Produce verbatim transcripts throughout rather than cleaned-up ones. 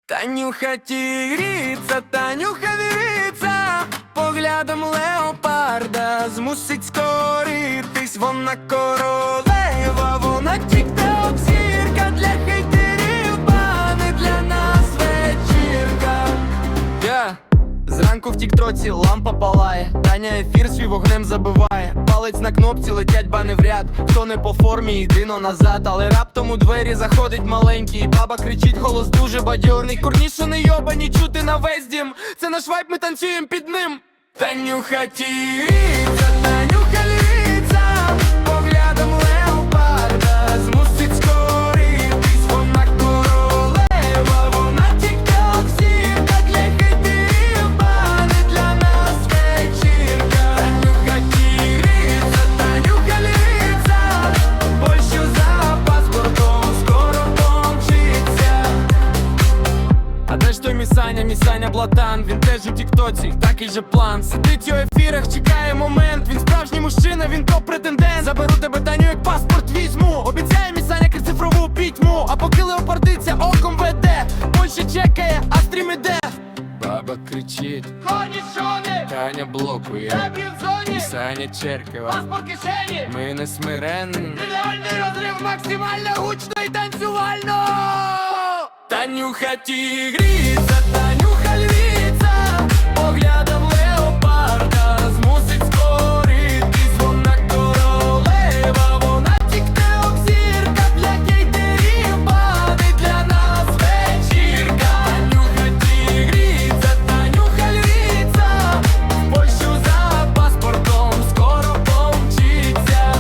Танюха тігріться, Танюха віриться, поглядом леопарда змусить скоритись. Вона королева, вона тік-ток зірка, для хейтерів, а не для нас вечірка. yeah. Зранку в тік-троці лампа палає, Таня ефір свій вогнем забиває. Палець на кнопці, летять бани в ряд. Хто не по формі, йди-но назад. Але раптом у двері заходить маленький, баба кричить, голос дуже бадьорний. Курніше не йобані, чути на весь дім. Це наш вайб, ми танцюєм під ним. Танюха тігріться, Танюха літься, поглядом леопарда змусить скоритись. Вона королева, вона тік-ток зірка, для хейтерів, а не для нас вечірка. Танюха тігріться, Танюха літься, Польщу за паспортом скоро помчиться. А де ж той Місаня, Місаня Блатан? Він теж у тік-тоці, такий же план. Сидить у ефірах, чекає момент. Він справжній мужчина, він топ-претендент. Заберу тебе, Таню, як паспорт візьму. Обіцяє Місаня цифрову пітьму. А поки леопардиця оком веде, Польща чекає, а стрім іде. Баба кричить, Корнішони, Таня блокує, Дебрі в зоні, Місаня черкова, паспорт кишені. ми не смиренні. Ідеальний розрив, максимально гучно і танцювально. Танюха тігріться, Танюха львіця, поглядом леопарда змусить скоритись. Вона королева, вона тік-ток зірка, для хейтерів, а не для нас вечірка. Танюха тігріться, Танюха львіця, Польщу за паспортом скоро помчиться.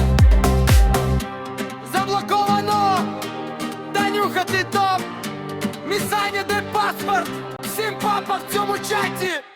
Заблоковано, Танюха, ти топ. Місаня, де паспорт? Всім папа в цьому чаті.